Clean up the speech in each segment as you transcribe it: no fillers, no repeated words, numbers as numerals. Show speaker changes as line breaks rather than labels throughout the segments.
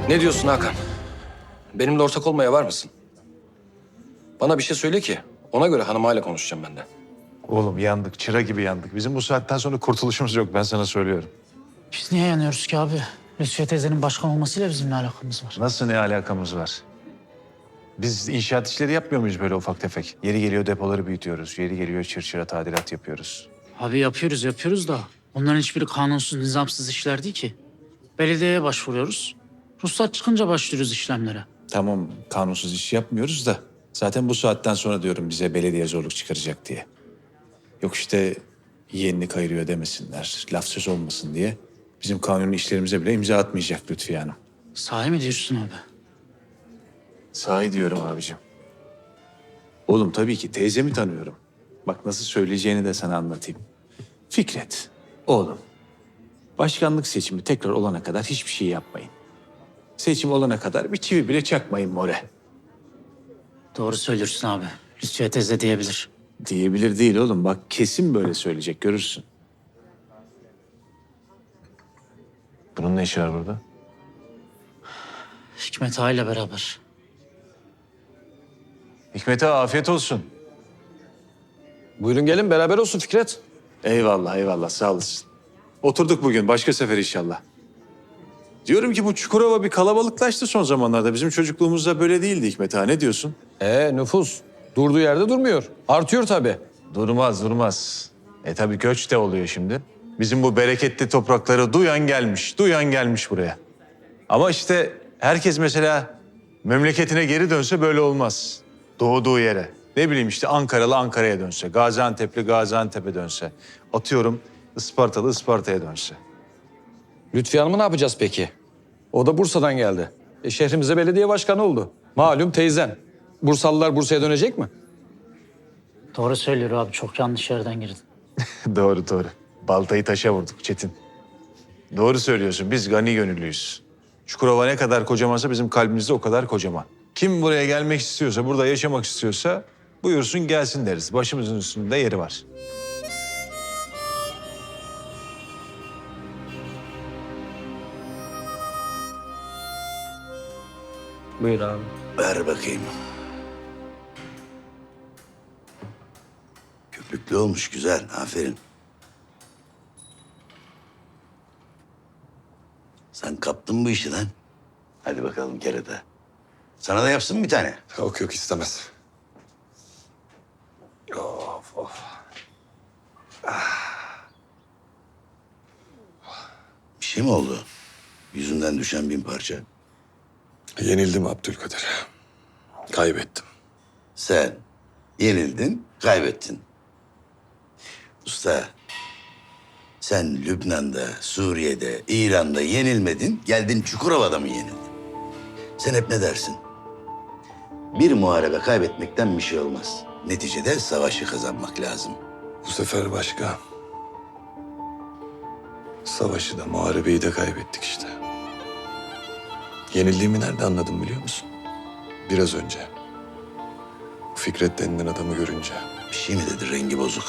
Ne diyorsun Hakan? Benimle ortak olmaya var mısın? Bana bir şey söyle ki ona göre hanımayla konuşacağım ben de.
Oğlum yandık, çıra gibi yandık. Bizim bu saatten sonra kurtuluşumuz yok, ben sana söylüyorum.
Biz niye yanıyoruz ki abi? Lütfiye teyzenin başkan olmasıyla bizim ne alakamız var?
Nasıl ne alakamız var? Biz inşaat işleri yapmıyor muyuz böyle ufak tefek? Yeri geliyor depoları büyütüyoruz, yeri geliyor çırçıra tadilat yapıyoruz.
Abi yapıyoruz da onların hiçbiri kanunsuz, nizamsız işler değil ki. Belediyeye başvuruyoruz. Ruhsat çıkınca başlıyoruz işlemlere.
Tamam, kanunsuz iş yapmıyoruz da zaten bu saatten sonra diyorum bize belediye zorluk çıkaracak diye. Yok işte yeğenini kayırıyor demesinler, laf söz olmasın diye. Bizim kanuni işlerimize bile imza atmayacak Lütfiye Hanım.
Sahi mi diyorsun abi?
Sahi diyorum abicim. Oğlum tabii ki teyzemi tanıyorum. Bak nasıl söyleyeceğini de sana anlatayım. Fikret, oğlum. Başkanlık seçimi tekrar olana kadar hiçbir şey yapmayın. Seçim olana kadar bir çivi bile çakmayın more.
Doğru söylüyorsun abi. Lütfiye teyze diyebilir.
Diyebilir değil oğlum. Bak kesin böyle söyleyecek, görürsün. Bunun ne işi var burada?
Hikmet Ağa ile beraber.
Hikmet'e afiyet olsun.
Buyurun gelin beraber olsun Fikret.
Eyvallah, eyvallah. Sağ olasın. Oturduk bugün. Başka sefer inşallah. Diyorum ki bu Çukurova bir kalabalıklaştı son zamanlarda. Bizim çocukluğumuzda böyle değildi Hikmet Ağa. Ne diyorsun?
Nüfus durduğu yerde durmuyor. Artıyor tabii.
Durmaz, durmaz. Tabii göç de oluyor şimdi. Bizim bu bereketli toprakları duyan gelmiş buraya. Ama işte herkes mesela memleketine geri dönse böyle olmaz. Doğduğu yere. Ne bileyim işte Ankaralı Ankara'ya dönse, Gaziantep'li Gaziantep'e dönse. Atıyorum Ispartalı Isparta'ya dönse.
Lütfiye Hanım'ı ne yapacağız peki? O da Bursa'dan geldi. Şehrimize belediye başkanı oldu. Malum teyzen. Bursalılar Bursa'ya dönecek mi?
Doğru söylüyor abi. Çok yanlış yerden girdin.
Doğru, doğru. Baltayı taşa vurduk Çetin. Doğru söylüyorsun. Biz gani gönüllüyüz. Çukurova ne kadar kocamansa bizim kalbimizde o kadar kocaman. Kim buraya gelmek istiyorsa, burada yaşamak istiyorsa buyursun gelsin deriz. Başımızın üstünde yeri var.
Buyur abi.
Ver bakayım. Köpüklü olmuş, güzel. Aferin. Sen kaptın bu işi lan. Hadi bakalım kerata. Sana da yapsın bir tane.
Yok yok istemez. Of of.
Bir şey mi oldu? Yüzünden düşen bin parça.
Yenildim Abdülkadir. Kaybettim.
Sen yenildin, kaybettin. Usta, sen Lübnan'da, Suriye'de, İran'da yenilmedin, geldin Çukurova'da mı yenildin? Sen hep ne dersin? Bir muharebe kaybetmekten bir şey olmaz. Neticede savaşı kazanmak lazım.
Bu sefer başka. Savaşı da muharebeyi de kaybettik işte. Yenildiğimi nerede anladım biliyor musun? Biraz önce. Fikret denilen adamı görünce.
Bir şey mi dedi, rengi bozuk?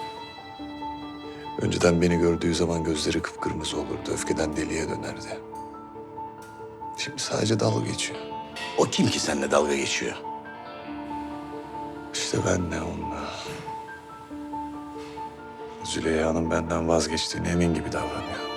Önceden beni gördüğü zaman gözleri kıpkırmızı olurdu. Öfkeden deliye dönerdi. Şimdi sadece dalga geçiyor.
O kim ki seninle dalga geçiyor?
İşte ben ne onunla. Züleyha'nın benden vazgeçtiğine emin gibi davranıyor.